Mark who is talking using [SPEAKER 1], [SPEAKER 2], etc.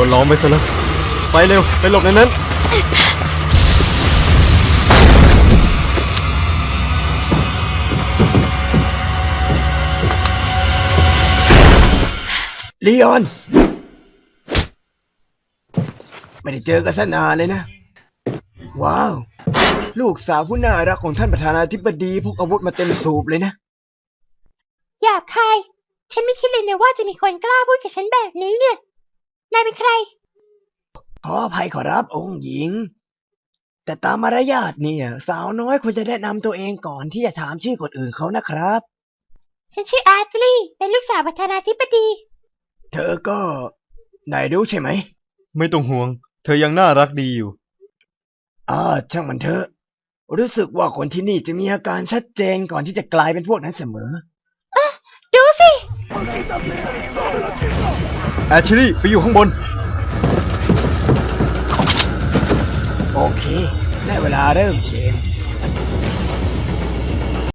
[SPEAKER 1] นล้อมไปซะแล้วไปเร็วไปหลบในนั้น
[SPEAKER 2] ลีออนไม่ได้เจอกันซะนานเลยนะว้าวลูกสาวผู้น่ารักของท่านประธานาธิบดีพกอาวุธมาเต็มสูบเลยนะ
[SPEAKER 3] หยาบคาย ฉันไม่คิดเลยนะว่าจะมีคนกล้าพูดกับฉันแบบนี้เนี่ย นายเป็นใคร
[SPEAKER 2] ขออภัยขอรับองค์หญิงแต่ตามมารยาทเนี่ยสาวน้อยควรจะแนะนำตัวเองก่อนที่จะถามชื่อคนอื่นเขานะครับ
[SPEAKER 3] ฉันชื่ออาร์ตลี่เป็นลูกสาวประธานาธิบดี
[SPEAKER 2] เธอก็นายรู้ใช่ไหม
[SPEAKER 1] ไม่ต้องห่วงเธอยังน่ารักดีอยู่
[SPEAKER 2] ช่างมันเถอะรู้สึกว่าคนที่นี่จะมีอาการชัดเจนก่อนที่จะกลายเป็นพวกนั้นเสมอ
[SPEAKER 3] ดูสิ
[SPEAKER 1] แอชลี่ไปอยู่ข้างบน
[SPEAKER 2] โอเคได้เวลาเริ่มเกม